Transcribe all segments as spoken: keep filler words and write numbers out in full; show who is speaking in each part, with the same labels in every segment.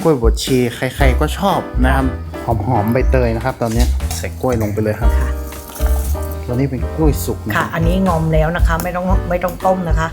Speaker 1: กล้วยบดชีใครๆก็ชอบนะครับหอมๆใบเตยนะครับตอนนี้ใส่กล้วยลงไปเลยครับ
Speaker 2: ค่ะ
Speaker 1: ตัวนี้เป็นกล้วยสุกนะ
Speaker 2: ค่ะอันนี้งอมแล้วนะคะไม่ต้องไม่ต้องต้มนะคะ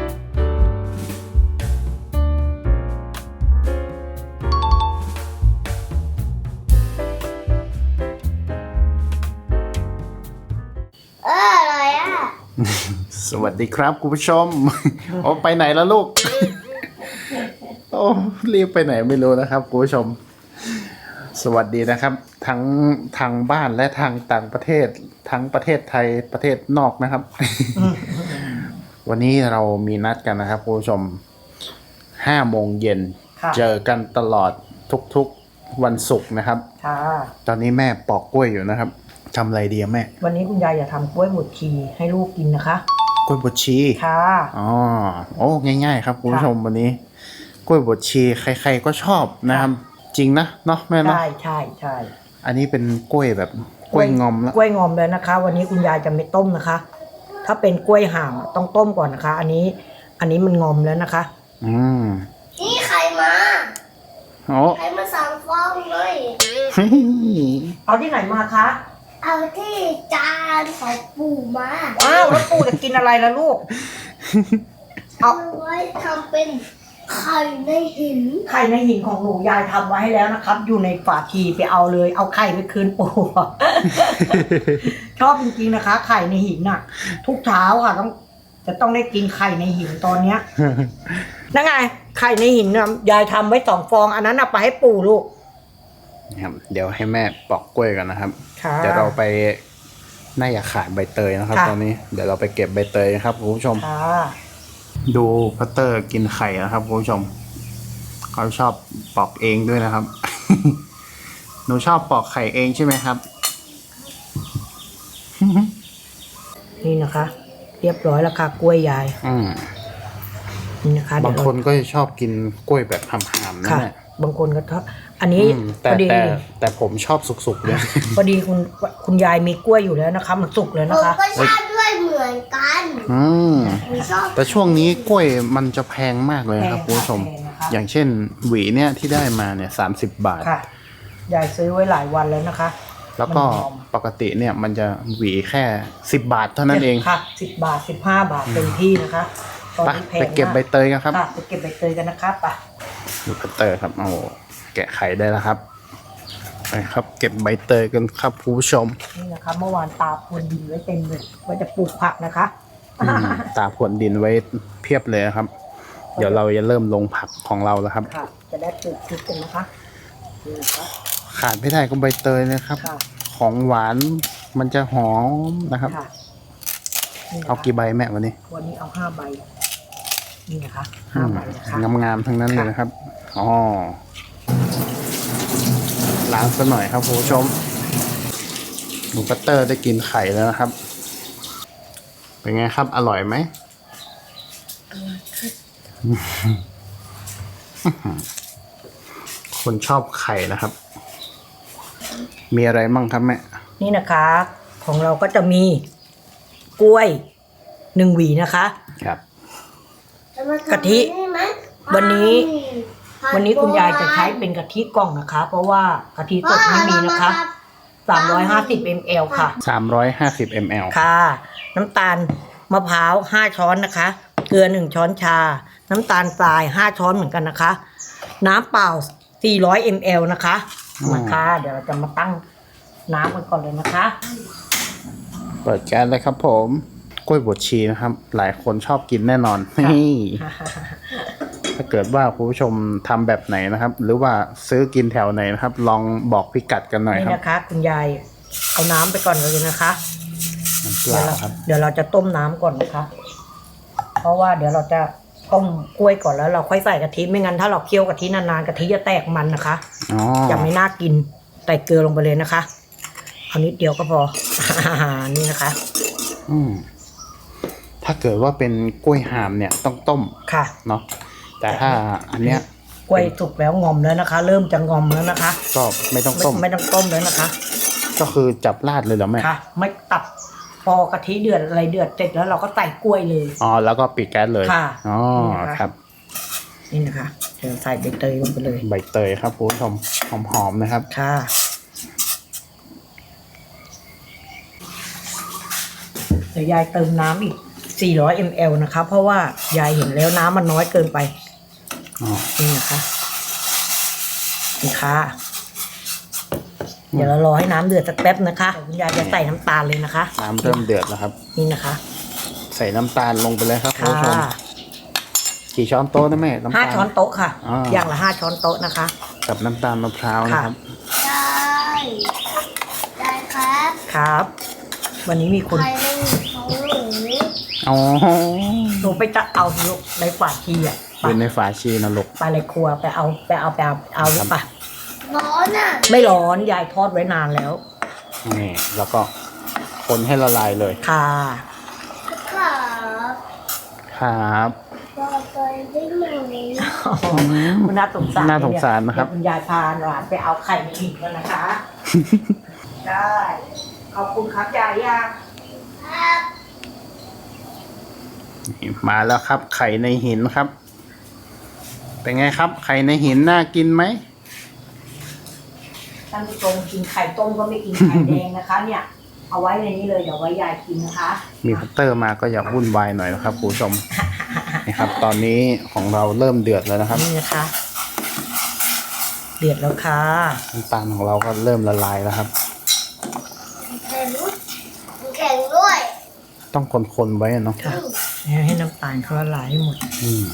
Speaker 1: สวัสดีครับคุณผู้ชม โอ้ไปไหนแล้วลูก โอ้รีบไปไหนไม่รู้นะครับคุณผู้ชมสวัสดีนะครับทั้งทางบ้านและทางต่างประเทศทั้งประเทศไทยประเทศนอกนะครับ วันนี้เรามีนัดกันนะครับคุณผู้ชมห้าโมงเย็นเจอกันตลอดทุกๆวันศุกร์นะครับตอนนี้แม่ปอกกล้วยอยู่นะครับทำอะไรดีแม่
Speaker 2: วันนี้คุณยายอยากทำกล้วยบดชีให้ลูกกินนะคะ
Speaker 1: กล้วยบดชีค่ะอ๋อโอ้ง่ายๆครับคุณผู้ชมวันนี้กล้วยบดชีใครๆก็ชอบนะครับจริงนะเนาะแม่เนาะ
Speaker 2: ใช่ใช่ใช่
Speaker 1: อันนี้เป็นกล้วยแบบกล้วยงอมแล้ว
Speaker 2: กล้วยงอมเลยนะคะวันนี้คุณยายจะไม่ต้มนะคะถ้าเป็นกล้วยห่ามต้องต้มก่อนนะคะอันนี้อันนี้มันงอมแล้วนะคะ
Speaker 1: อืม
Speaker 3: นี่ไข่มา
Speaker 1: โอ้
Speaker 3: ไข่มาสองฟองเลย
Speaker 2: เอาที่ไหนมาคะ
Speaker 3: เอาที่จานของปู่มา
Speaker 2: อ้าวแล้วปู่จะกินอะไรล่ะลูก
Speaker 3: เอาไว้ทำเป็นไข่ในหิน
Speaker 2: ไข่ในหินของหนูยายทำไว้ให้แล้วนะครับอยู่ในฝาทีไปเอาเลยเอาไข่ไปคืนปู่ชอบจริงๆนะคะไข่ในหินน่ะทุกเช้าค่ะต้องจะต้องได้กินไข่ในหินตอนเนี้ยนั่นไงไข่ในหินน่ะยายทำไว้สองฟองอันนั้นเอาไปให้ปู่ลูก
Speaker 1: ครับเดี๋ยวให้แม่ปอกกล้วยกันนะครับเดี๋ยวเราไปน่าอยากขายใบเตยนะครับตอนนี้เดี๋ยวเราไปเก็บใบเตยครับคุณผู้ชมดูพัตเตอร์กินไข่นะครับคุณผู้ชมเขาชอบปอกเองด้วยนะครับ หนูชอบปอกไข่เองใช่ไหมครับ
Speaker 2: นี่นะคะ เรียบร้อยแล้วค่ะกล้วยยาย
Speaker 1: อืม
Speaker 2: นี่นะคะ
Speaker 1: บางคนก็ชอบกินกล้วยแบบหำๆนั่นแหละ
Speaker 2: บางคนก็ชอบอันนี้
Speaker 1: แต่แต่แต่ผมชอบสุกๆเลย
Speaker 2: พอดีคุณคุณยายมีกล้วยอยู่แล้วนะคะมันสุกแล้วนะคะ
Speaker 3: ผมก็ชอบด้วยเหมือนกัน
Speaker 1: อืมแต่ช่วงนี้กล้วยมันจะแพงมากเลยครับคุณผู้ชมอย่างเช่นหวีเนี่ยที่ได้มาเนี่ยสามสิบบาท
Speaker 2: ค่ะยายซื้อไว้หลายวันแล้วนะคะ
Speaker 1: แล้วก็ปกติเนี่ยมันจะหวีแค่สิบบาทเท่านั้นเอง
Speaker 2: ค่ะสิบบาทสิบห้าบาทเต็มที่นะคะ
Speaker 1: ไปไปเก็บใบเตยกันครับ
Speaker 2: ไปเก็บใบเตยกันนะครับไป
Speaker 1: ดูใบเตยครับโอ้แกะไข่ได้แล้วครับไปครับเก็บใบเตยกันครับผู้ชม
Speaker 2: นี่นะคะเมื่อวานตาพรวนดินไว้เต็มเลยว่าจะปลูกผักนะคะ
Speaker 1: ตาพรวนดินไว้เพียบเลยครับเดี๋ยวเราจะเริ่มลงผักของเราแล้วครับ
Speaker 2: จะได้ปลูกพริกกันนะคะ
Speaker 1: ขาดไม่ได้ก็ใบเตยนะครับของหวานมันจะหอมนะครับเอากี่ใบแม่วันนี้
Speaker 2: วันนี้เอาห้าใบนี่นะคะห้าใบนะคะ
Speaker 1: งามๆทั้งนั้นเลยนะครับอ๋อล้างซะหน่อยครับคุณผู้ชมหนูปัตเตอร์ได้กินไข่แล้วนะครับเป็นไงครับอร่อยไหมคนชอบไข่นะครับมีอะไรมั่งครับแม่
Speaker 2: นี่นะคะของเราก็จะมีกล้วยหนึ่งหวีนะคะ
Speaker 1: ครับ
Speaker 2: กะทิวันนี้วันนี้คุณยายจะใช้เป็นกะทิกล่องนะคะเพราะว่ากะทิสดไม่มีนะคะสามร้อยห้าสิบมิลลิลิตรค่ะ
Speaker 1: สามร้อยห้าสิบมิลลิลิตร
Speaker 2: ค่ะน้ำตาลมะพร้าวห้าช้อนนะคะเกลือหนึ่งช้อนชาน้ำตาลทรายห้าช้อนเหมือนกันนะคะน้ำเปล่าสี่ร้อยมิลลิลิตรนะคะมาค่ะเดี๋ยวเราจะมาตั้งน้ำกันก่อนเลยนะคะ
Speaker 1: เปิดแก๊สเลยครับผมกล้วยบดชีนะครับหลายคนชอบกินแน่นอนนี่ถ้าเกิดว่าคุณผู้ชมทำแบบไหนนะครับหรือว่าซื้อกินแถวไหนนะครับลองบอกพิกัดกันหน่อยครับ
Speaker 2: นี่นะคะคุณยายเอาน้ำไปก่อนเลยนะคะ
Speaker 1: น้ำเปล่าครับ
Speaker 2: เดี๋ยวเราจะต้มน้ำก่อนนะคะเพราะว่าเดี๋ยวเราจะต้มกล้วยก่อนแล้วเราค่อยใส่กะทิไม่งั้นถ้าเราเคี่ยวกะทินานๆกะทิจะแตกมันนะคะจะไม่น่ากินใส่เกลือลงไปเลยนะคะเอานิดเดียวก็พอนี่นะคะ
Speaker 1: อืมถ้าเกิดว่าเป็นกล้วยหามเนี่ยต้องต้ม
Speaker 2: ค่ะ
Speaker 1: เนาะแต่ถ้าอันเนี้ย
Speaker 2: กล้วยสุกแล้วงอมแล้วนะคะเริ่มจะงอมแล้วนะคะ
Speaker 1: ก็ไม่ต้องต้ม
Speaker 2: ไม่ต้องต้มแล้วนะคะ
Speaker 1: ก็คือจับราดเลยเหรอแม่
Speaker 2: ค่ะไม่ตับพอกะทิเดือดอะไรเดือดเสร็จแล้วเราก็ใส่กล้วยเลย
Speaker 1: อ๋อแล้วก็ปิดแก๊สเลย
Speaker 2: ค่ะ
Speaker 1: อ๋อครับ
Speaker 2: นี่นะคะเดี๋ยวใส่ใบเตยลงไปเลย
Speaker 1: ใบเตยครับคุณผู้ชมหอมๆนะครับ
Speaker 2: ค่ะเดี๋ยวยายเติมน้ำอีกสี่ร้อยมิลลิลิตรนะคะ เพราะว่ายายเห็นแล้วน้ำมันน้อยเกินไป
Speaker 1: อ๋อ
Speaker 2: นี่นะคะนี่ค่ะเดี๋ยวเรารอให้น้ำเดือดสักแป๊บนะคะคุณยายจะใส่น้ำตาลเลยนะคะ
Speaker 1: น้ำเริ่มเดือดแล้วครับ
Speaker 2: นี่นะคะ
Speaker 1: ใส่น้ำตาลลงไปเลยครับคุณ
Speaker 2: ค่ะ
Speaker 1: ผู้ชมกี่ช้อนโต๊ะนะแม่น้ำ
Speaker 2: ห้า
Speaker 1: ตาล
Speaker 2: ช้อนโต๊ะค่ะ
Speaker 1: อ่า
Speaker 2: อย่างละห้าช้อนโต๊ะนะคะ
Speaker 1: กับน้ำตาลมะพร้าวนะครับ
Speaker 3: ได้ได้ครับ
Speaker 2: ครับ วันนี้มีคน
Speaker 3: ใครเล่นของหนู
Speaker 1: อ๋อ
Speaker 2: หนูไปจะเอาลูกในฝาชีอ่ะ
Speaker 1: อ
Speaker 2: ไป
Speaker 1: ยู่ในฝาชีนะลูก
Speaker 2: ไปเลยครัวไปเอาไปเอาไปเอาเอาหรือเปล่า
Speaker 3: ร้อนอ่ะ
Speaker 2: ไม่ร้อนยายทอดไว้นานแล้ว
Speaker 1: นี่แล้วก็คนให้ละลายเลย
Speaker 2: ค่ะ
Speaker 3: ครับ
Speaker 1: ครับ
Speaker 3: ต่อไปได้ไหม
Speaker 2: คุณน่าสงสาร
Speaker 1: น่าสงสารนะครับ
Speaker 2: เดี๋ยวคุณยายพาหลานไปเอาไข่ในหินแล้วนะคะ ได้ขอบคุณครับยายยา
Speaker 3: ครับ
Speaker 1: นี่มาแล้วครับ ไข่ในหินครับ เป็นไงครับ ไข่ในหินน่ากินไหม
Speaker 2: ท่านผู้ชมกินไข่ต้มก็ไม่กินไข่แดงนะคะ เนี่ย เอาไว้ในนี้เลยเดี๋ยวไว้ยายกินนะคะ
Speaker 1: มีพัตเตอร์มาก็อย่าวุ่นวายหน่อยนะครับคุณผู้ชม นี่ครับ ตอนนี้ของเราเริ่มเดือดแล้วนะครับ
Speaker 2: นี่นะคะ เดือดแล้วค่ะ
Speaker 1: น้ำตาลของเราก็เริ่มละลายแล้วครับ
Speaker 3: แข็งแข็งด้วย
Speaker 1: ต้องคนๆไว้อะเนาะ
Speaker 2: ค่ะให้น้ำตาลเขาละลายให้หมด
Speaker 1: อืม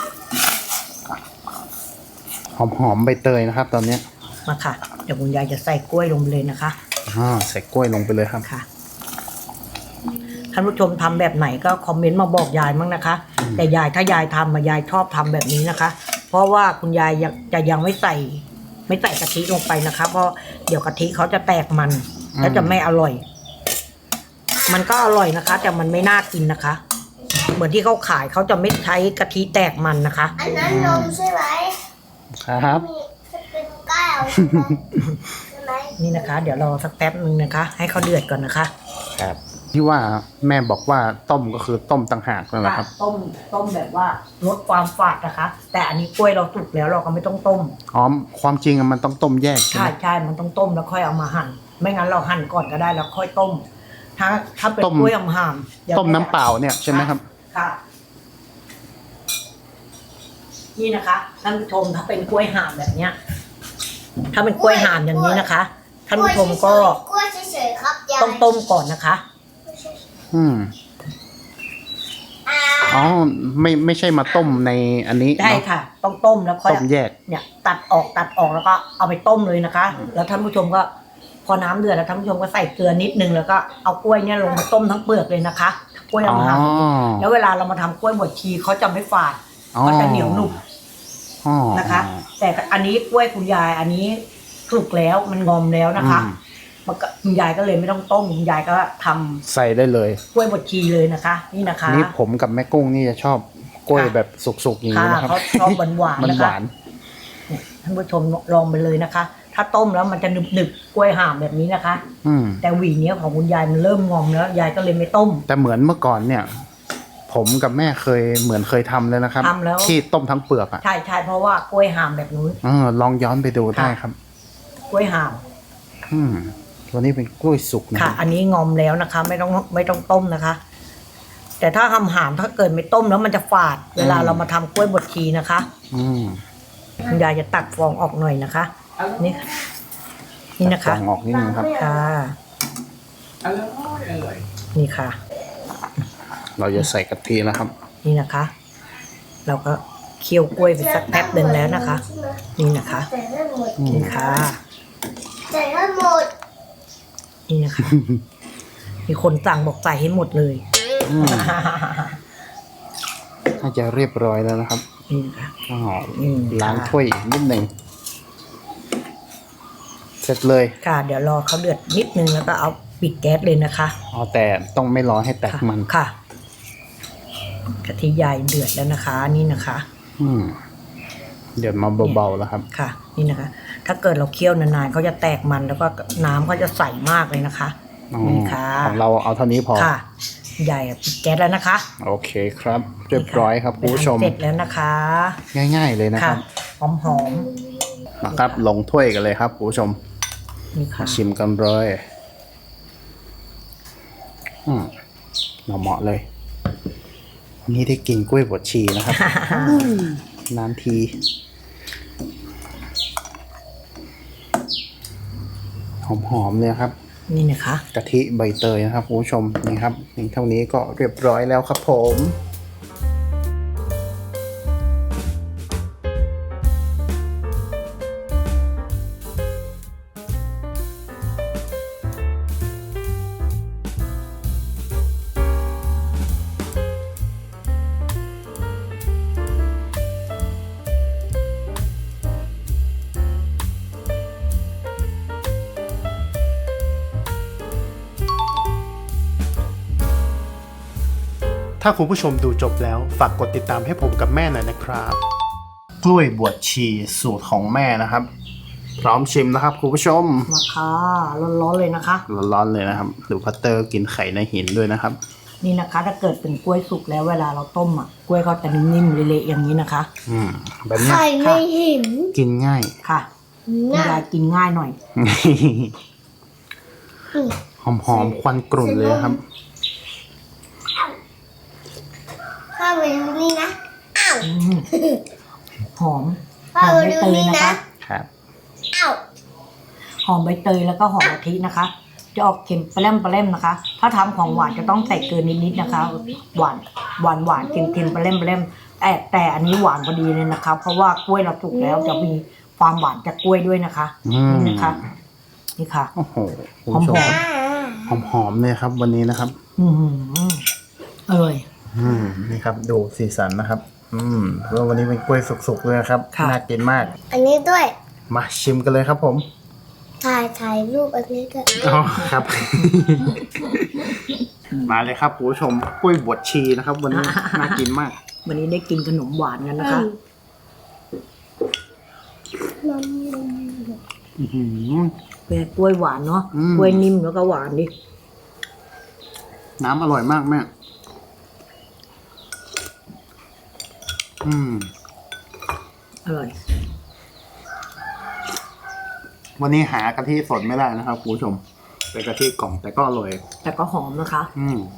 Speaker 1: หอมๆใบเตยนะครับ ตอนเนี้ย
Speaker 2: มาค่ะ เดี๋ยวคุณยายจะใส่กล้วยลงไปเลยนะคะ
Speaker 1: อ่าใส่กล้วยลงไปเลยครับ
Speaker 2: ค่ะ ท่านผู้ชมทำแบบไหนก็คอมเมนต์มาบอกยายมั้งนะคะ แต่ยายถ้ายายทำมายายชอบทำแบบนี้นะคะ เพราะว่าคุณยายยังจะยังไม่ใส่ ไม่ใส่กะทิลงไปนะคะ เพราะเดี๋ยวกะทิเขาจะแตกมัน
Speaker 1: อืม
Speaker 2: แล้วจะไม่อร่อย มันก็อร่อยนะคะ แต่มันไม่น่ากินนะคะ เหมือนที่เขาขายเขาจะไม่ใช้กะทิแตกมันนะคะ
Speaker 3: อันนั้นนมใช่ไหม
Speaker 1: ครับ
Speaker 3: มีจะเป็นแก้วใช่ไหมใช่ไหม
Speaker 2: นี่นะคะ เดี๋ยวรอสักแป๊บนึงนะคะ ให้เขาเดือดก่อนนะคะ
Speaker 1: ครับที่ว่าแม่บอกว่าต้มก็คือต้มต่างหากนั่นแหละครับ
Speaker 2: ต้มต้มแบบว่าลดความฝาดนะคะ แต่อันนี้กล้วยเราสุกแล้วเราก็ไม่ต้องต้ม
Speaker 1: อ๋อความจริงอะมันต้องต้มแยกใช่
Speaker 2: ใช่
Speaker 1: ไหม
Speaker 2: ใช่มันต้องต้มแล้วค่อยเอามาหั่น ไม่งั้นเราหั่นก่อนก็ได้แล้วค่อยต้ม ถ้าถ้าเป็นกล้วยห่ามๆเดี๋ยว
Speaker 1: ต้มน้ำเปล่าเนี่ยใช่ไหมครับ
Speaker 2: ค่ะ นี่นะคะท่านผู้ชมถ้าเป็นกล้วยห่ามแบบเนี้ย ถ้าเป็นกล้วยห่ามอย่างนี้นะคะท่านผู้ชมก็
Speaker 3: กล้วยเฉยๆครับยาย
Speaker 2: ต้องต้มก่อนนะคะ
Speaker 1: อืม
Speaker 3: อ่า
Speaker 1: อ๋อไม่ไม่ใช่มาต้มในอันนี้
Speaker 2: ได้
Speaker 1: เนาะ
Speaker 2: ค่ะ ต้องต้มแล้วค่อย
Speaker 1: ต้มแยก
Speaker 2: เนี่ย ตัดออกตัดออกแล้วก็เอาไปต้มเลยนะคะ แล้วท่านผู้ชมก็ พอน้ำเดือดแล้วท่านผู้ชมก็ใส่เกลือนิดนึงแล้วก็เอากล้วยเนี่ยลงมาต้มทั้งเปลือกเลยนะคะกล้วย
Speaker 1: อ๋อ
Speaker 2: เอามาหั่นแล้วเวลาเรามาทำกล้วยบดชีเขาจะไม่ฝาด
Speaker 1: อ๋อ
Speaker 2: เขาจะเหนียวหนุ่ม
Speaker 1: อ๋อ
Speaker 2: นะคะ แต่อันนี้กล้วยคุณยายอันนี้สุกแล้วมันงอมแล้วนะคะ
Speaker 1: อืม
Speaker 2: มันก็คุณยายก็เลยไม่ต้องต้มคุณยายก็ทำ
Speaker 1: ใส่ได้เลย
Speaker 2: กล้วยบดชีเลยนะคะ นี่นะคะ
Speaker 1: นี่ผมกับแม่กุ้งนี่จะชอบกล้วย
Speaker 2: ค่ะ
Speaker 1: แบบสุกๆอย่าง
Speaker 2: ค่ะ
Speaker 1: นี้นะครับ
Speaker 2: เขาชอบหวานๆ
Speaker 1: มัน
Speaker 2: นะ
Speaker 1: ห
Speaker 2: คะ
Speaker 1: วาน
Speaker 2: เนี่ยท่านผู้ชมลองไปเลยนะคะ ถ้าต้มแล้วมันจะหนึบๆกล้วยห่ามแบบนี้นะคะ
Speaker 1: อืม
Speaker 2: แต่หวีเนี้ยของคุณยายมันเริ่มงอมแล้วยายก็เลยไม่ต้ม
Speaker 1: แต่เหมือนเมื่อก่อนเนี่ย ผมกับแม่เคยเหมือนเคยทำเลยนะครับ
Speaker 2: ทำแล้ว
Speaker 1: ที่ต้มทั้งเปลือกอ่ะ
Speaker 2: ใช่ใช่เพราะว่ากล้วยห่ามแบบนู้น
Speaker 1: เออลองย้อนไปดูได้ครับ
Speaker 2: กล้วยห่าม
Speaker 1: อืมตัวนี้เป็นกล้วยสุกนะ
Speaker 2: ค่ะ อันนี้งอมแล้วนะคะ ไม่ต้องไม่ต้องต้มนะคะ แต่ถ้าหำหามถ้าเกิดไม่ต้มแล้วมันจะฝาด เวลาเรามาทำกล้วยบดชีนะคะ
Speaker 1: อืม
Speaker 2: คุณยายจะตักฟองออกหน่อยนะคะ นี่ค่ะนี่นะคะ
Speaker 1: ตัดฟองออกนิดนึงครับ
Speaker 2: ค่ะ นี่ค่ะ
Speaker 1: เราจะใส่กะทิแล้วครับ
Speaker 2: นี่นะคะ เราก็เคี่ยวกล้วยไปสักแป๊บหนึ่งแล้วนะคะ นี่นะคะ
Speaker 3: ใส่ได้หมด
Speaker 1: อืม
Speaker 2: นี่ค่ะ
Speaker 3: ใส่ได้หมด
Speaker 2: นี่นะคะ มีคนสั่งบอกใส่ให้หมดเลย
Speaker 1: อืมน่าจะเรียบร้อยแล้วนะครับ
Speaker 2: นี่นะคะ
Speaker 1: อ๋อ
Speaker 2: อืม
Speaker 1: ล้างถ้วยอีกนิดหนึ่งเสร็จเลย
Speaker 2: ค่ะ เดี๋ยวรอเขาเดือดนิดนึงแล้วก็เอาปิดแก๊สเลยนะคะ
Speaker 1: อ๋อแต่ต้องไม่รอให้แตก
Speaker 2: ค่ะ
Speaker 1: มัน
Speaker 2: ค่ะกะทิยายเดือดแล้วนะคะ นี่นะคะ
Speaker 1: อืมเดือดมาเบาๆแล้วครับ
Speaker 2: ค่ะ นี่นะคะ ถ้าเกิดเราเคี่ยวนานๆเขาจะแตกมันแล้วก็น้ำเขาจะใสมากเลยนะคะ
Speaker 1: อ๋อ
Speaker 2: นี่ค่ะ
Speaker 1: ของเราเอาเท่านี้พอ
Speaker 2: ค่ะใหญ่ปิดแก๊สแล้วนะคะ
Speaker 1: โอเคครับเรียบร้อยครับคุณผู้ชม
Speaker 2: เสร็จแล้วนะคะ
Speaker 1: ง่ายๆเลยนะค
Speaker 2: ค่ะ
Speaker 1: รับ
Speaker 2: หอมหอม
Speaker 1: นะครับลงถ้วยกันเลยครับคุณผู้ชม
Speaker 2: ๆนี่ค่ะ
Speaker 1: มาชิมกันเลยอืมเหมาะๆเลยวันนี้ได้กินกล้วยบดชีนะครับ นานทีหอมๆเลยครับ
Speaker 2: นี่นะคะ
Speaker 1: กะทิใบเตยนะครับคุณผู้ชมนี่ครับเพียงเท่านี้ก็เรียบร้อยแล้วครับผม ถ้าคุณผู้ชมดูจบแล้วฝากกดติดตามให้ผมกับแม่หน่อยนะครับ กล้วยบวชชีสูตรของแม่นะครับ พร้อมชิมนะครับคุณผู้ชม
Speaker 2: มาค่ะร้อนๆเลยนะคะ
Speaker 1: ร้อนๆเลยนะครับหรือพัตเตอร์กินไข่ในหินด้วยนะครับ
Speaker 2: นี่นะคะ ถ้าเกิดเป็นกล้วยสุกแล้วเวลาเราต้มอ่ะกล้วยเขาจะนิ่มๆเละๆอย่างนี้นะคะ
Speaker 1: อืมแบบเนี้ย
Speaker 3: ไข่ในหิน
Speaker 1: กินง่าย
Speaker 2: ค่ะคุณ
Speaker 3: น่ะ
Speaker 2: ยายกินง่ายหน่อย
Speaker 3: อืม
Speaker 1: หอมๆควันกรุ่นเลยครับ
Speaker 3: ข้าวไปดูนี่นะ อ้าว
Speaker 2: อืมหอมห
Speaker 3: ข้า
Speaker 2: อ
Speaker 3: ว
Speaker 2: ม
Speaker 3: ไป
Speaker 2: ใบ
Speaker 3: ดู
Speaker 2: เตย
Speaker 3: นี่
Speaker 2: นะ
Speaker 3: นะคะ
Speaker 1: ครับ
Speaker 3: อ้าว
Speaker 2: หอมใบเตยแล้วก็หอมกะทินะคะ จะออกเค็มปลาเล่มปลาเล่มนะคะ ถ้าทำของหวานจะต้องใส่เกินนิดๆนะคะ หวานหวานหวานเค็มเค็มปลาเล่มปลาเล่มแต่แต่อันนี้หวานพอดีเลยนะคะ เพราะว่ากล้วยเราสุกแล้วจะมีความหวานจากกล้วยด้วยนะคะ
Speaker 1: อืม
Speaker 2: นี่นะคะนี่ค่ะ
Speaker 1: โอ้โหคุณผู้ชม
Speaker 2: หอม
Speaker 1: หอมๆเลยครับวันนี้นะครับ
Speaker 2: อืมอร่อย
Speaker 1: อืมนี่ครับดูสีสันนะครับ อืมแล้ววันนี้เป็นกล้วยสุกๆเลยนะครับ
Speaker 2: ค่ะ
Speaker 1: น่ากินมาก
Speaker 3: อันนี้ด้วย
Speaker 1: มาชิมกันเลยครับผม
Speaker 3: ถ่ายถ่ายรูปอันนี้ด้วย
Speaker 1: อ๋อครับ มาเลยครับคุณผู้ชมกล้วยบวชชีนะครับ วันนี้ น่ากินมาก
Speaker 2: วันนี้ได้กินขนมหวานกันนะคะ
Speaker 3: นมนม
Speaker 1: อื้อหือ
Speaker 2: เป็นกล้วยหวานเนาะ
Speaker 1: อืม
Speaker 2: กล้วยนิ่มแล้วก็หวานดิ
Speaker 1: น้ำอร่อยมากแม่อืม
Speaker 2: อร่อย
Speaker 1: วันนี้หากะทิสดไม่ได้นะครับคุณผู้ชมเป็นกะทิกล่องแต่ก็อร่อย
Speaker 2: แต่ก็หอมนะคะ
Speaker 1: อืม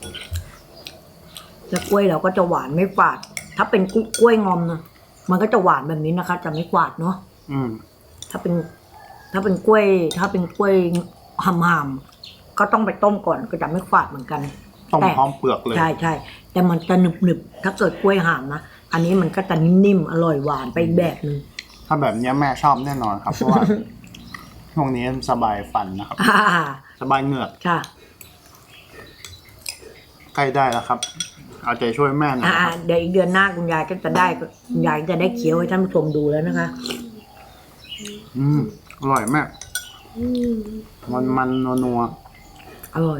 Speaker 2: แล้วกล้วยเราก็จะหวานไม่ฝาด ถ้าเป็นกล้วยงอมนะมันก็จะหวานแบบนี้นะคะ จะไม่ฝาดเนาะ
Speaker 1: อืม
Speaker 2: ถ้าเป็น ถ้าเป็นกล้วย ถ้าเป็นกล้วยหำๆก็ต้องไปต้มก่อนก็จะไม่ฝาดเหมือนกัน
Speaker 1: ต้ม
Speaker 2: แต่
Speaker 1: พร้อมเปลือกเลย
Speaker 2: ใช่ใช่แต่มันจะหนึบหนึบๆถ้าเกิดกล้วยหามนะอันนี้มันก็จะนิ่มๆอร่อยหวานไปอีกแบบนึง
Speaker 1: ถ้าแบบนี้แม่ชอบแน่นอนครับ เพราะว่า ช่วงนี้สบายฟันนะครับ
Speaker 2: อ่า
Speaker 1: สบายเหงือก
Speaker 2: ค่ะ
Speaker 1: ใกล้ได้แล้วครับ เอาใจช่วยแม่หน่อย
Speaker 2: อ่า
Speaker 1: นะครับ
Speaker 2: เดี๋ยวอีกเดือนหน้าคุณยายก็จะได้คุณยายจะได้เคี้ยวให้ท่านผู้ชมดูแล้วนะคะ
Speaker 1: อืมอร่อยมาก
Speaker 3: อืม
Speaker 1: มันมันนัวนัว
Speaker 2: อร่อย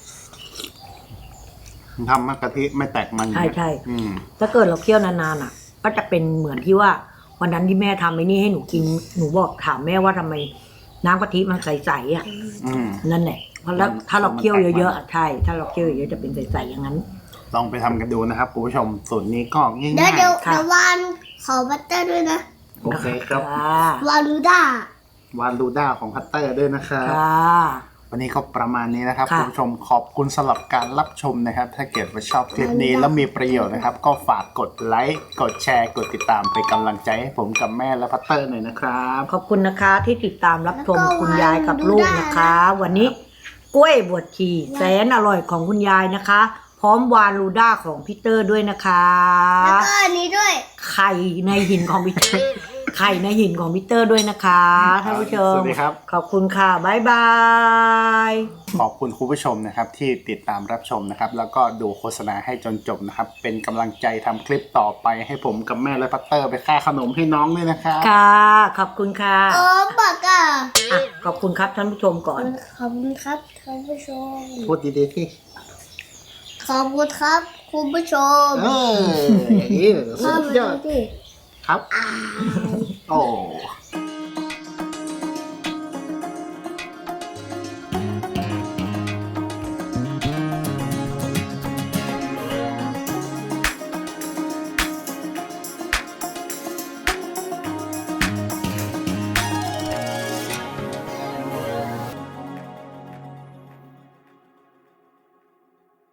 Speaker 1: ๆทำให้กะทิไม่แตกมัน
Speaker 2: ใช่ใช่
Speaker 1: อืม
Speaker 2: ถ้าเกิดเราเคี่ยวนานๆอ่ะ ก็จะเป็นเหมือนที่ว่าวันนั้นที่แม่ทำไอ้นี่ให้หนูกินหนูบอกถามแม่ว่าทำไมน้ำกะทิมันใสๆอ่ะ
Speaker 1: อืม
Speaker 2: นั่นแหละเพราะแล้ว
Speaker 1: มัน
Speaker 2: ถ้าเราเคี่ยว
Speaker 1: มันแตกมัน
Speaker 2: เยอะๆอะใช่ ถ้าเราเคี่ยวเยอะๆจะเป็นใสๆอย่างนั้น
Speaker 1: ลองไปทำกันดูนะครับคุณผู้ชมสูตรนี้ก็ง่าย
Speaker 3: เดี๋ยวเดี๋ยว
Speaker 2: ค่ะ
Speaker 3: เดี๋ยววานขอบัตเตอร์ด้วยนะ
Speaker 1: ๆโอเคครับ
Speaker 2: ค่ะ
Speaker 3: วาลูด้าว
Speaker 1: านดูด้าของพัตเตอร์ด้วยนะครับ
Speaker 2: ค่ะ
Speaker 1: วันนี้ก็ประมาณนี้นะครับ
Speaker 2: ค่ะ
Speaker 1: คุณผู้ชมขอบคุณสำหรับการรับชมนะครับ ถ้าเกิดว่าชอบคลิปนี้แล้วมีประโยชน์นะครับ ก็ฝากกดไลค์กดแชร์กดติดตามเป็นกำลังใจให้ผมกับแม่และพัตเตอร์หน่อยนะครับ
Speaker 2: ขอบคุณนะคะที่ติดตามรับชมคุณยายกับลูกนะคะ วันนี้กล้วยบวชชีแสนอร่อยของคุณยายนะคะ พร้อมวานลูด้าของพีเตอร์ด้วยนะคะ
Speaker 3: แล้วก็อันนี้ด้วย
Speaker 2: ไข่ในหินของพีเตอร์ ไข่ในหินของพีเตอร์ด้วยนะคะท่านผู้ชม
Speaker 1: สวัสดีครับ
Speaker 2: ขอบคุณค่ะบ๊ายบาย
Speaker 1: ขอบคุณคุณผู้ชมนะครับที่ติดตามรับชมนะครับ แล้วก็ดูโฆษณาให้จนจบนะครับ เป็นกำลังใจทำคลิปต่อไปให้ผมกับแม่และพัตเตอร์ไปค่าขนมให้น้องด้วยนะครับ
Speaker 2: ค่ะ ขอบคุณค่ะ
Speaker 3: โอ้ปากอ่ะ
Speaker 2: อ่ะขอบคุณครับท่านผู้ชมก่อน
Speaker 3: ขอบคุณครับท่านผู้ชม
Speaker 1: พูดดีๆที่
Speaker 3: ขอบคุณครับคุณผู้ชม
Speaker 1: เอออย่างนี้สุดยอด
Speaker 3: ดิ
Speaker 1: ครับ โอ้